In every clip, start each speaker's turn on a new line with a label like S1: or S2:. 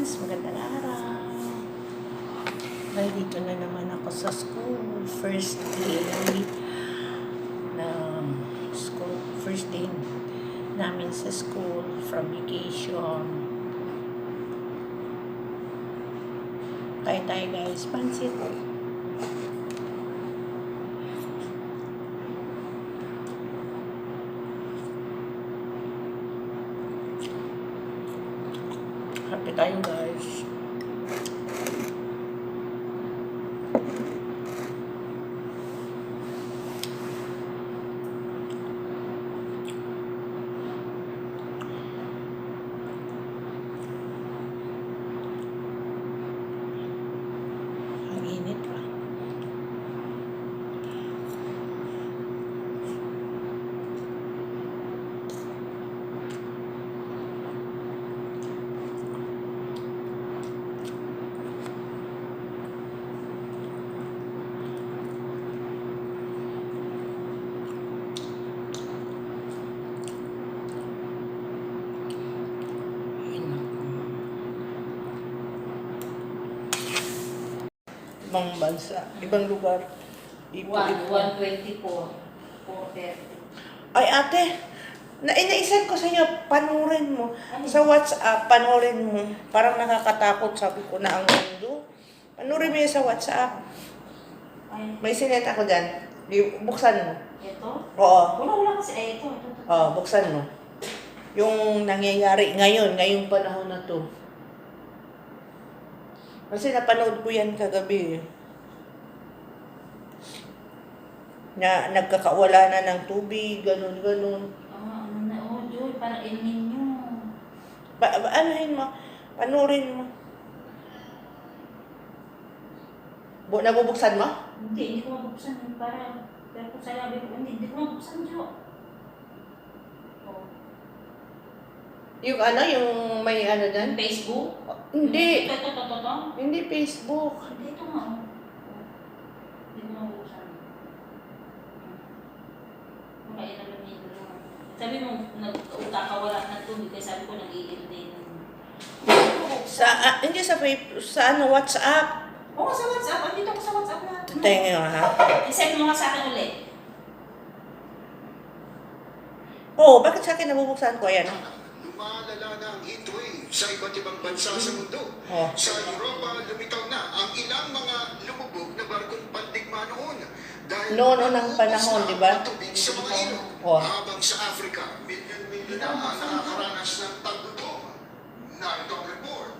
S1: guys, magandang araw. Dahil dito na naman ako sa school. First day namin sa school from vacation. Tayo guys, pansit. Happy tayo guys. Ang init pa. Ibang bansa, ibang lugar.
S2: 124. 430.
S1: Ay ate, naisend ko sa inyo, panoorin mo. Sa WhatsApp, panoorin mo. Parang nakakatakot, sabi ko na ang mundo. Panoorin mo yun sa WhatsApp. May sinet ako dyan. Buksan mo.
S2: Ito?
S1: Oo.
S2: Wala kasi. Ito.
S1: Oo, buksan mo. Yung nangyayari ngayong panahon na to. Kasi napanood ko yan kagabi. Na nagkakawala na ng tubig, ganun.
S2: Joy, para ilmin nyo.
S1: Anuhin mo? Panurin mo. Nabubuksan mo?
S2: Hindi ko mabuksan. Pero kung sabi ko, hindi ko mabuksan, Jo.
S1: Yung may dyan?
S2: Facebook?
S1: Hindi.
S2: Ito.
S1: Hindi Facebook.
S2: Hindi, ito nga. Hindi ko mabuksan. Kaya naman nito. Sabi mo, nagkakawala ng tubig, kaya sabi ko, nag-iil din.
S1: Hindi sa WhatsApp.
S2: Oo, sa WhatsApp. Andito ko sa WhatsApp na.
S1: Tingin nga ha?
S2: I-send mo nga sa akin ulit.
S1: Bakit sa akin nabubuksan ko? Ayan.
S3: Lumalala na ang heatwave sa iba't ibang bansa sa mundo.
S1: Oh.
S3: Sa Europa, lumitaw na ang ilang mga lumubog na barkong pandigma noon. Dahil
S1: Noon ng panahon, di ba?
S3: tubig sa mga ilog.
S1: Oh.
S3: Habang sa Africa, milyon-milyon na ang nakakaranas ng taggutom. Narito ang report.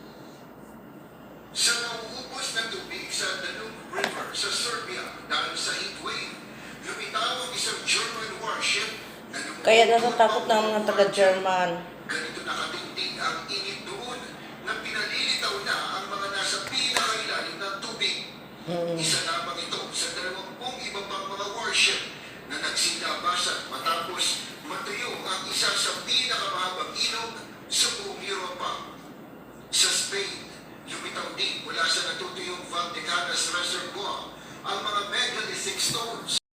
S3: Sa nauubos na tubig sa Danube River sa Serbia dahil sa heatwave, lumitaw ang isang German warship na lumubog.
S1: Kaya natatakot na ang mga taga-German.
S3: Ganito nakatindi ang init doon na pinalilitaw na ang mga nasa pinakailalim ng tubig. Isa lamang ito sa 20 iba pang mga warship na nagsilabasan matapos matuyo ang isa sa pinakamahabang ilog sa buong Europa. Sa Spain, lumitaw din mula sa natutuyong Valdecanas Reservoir ang mga megalithic stones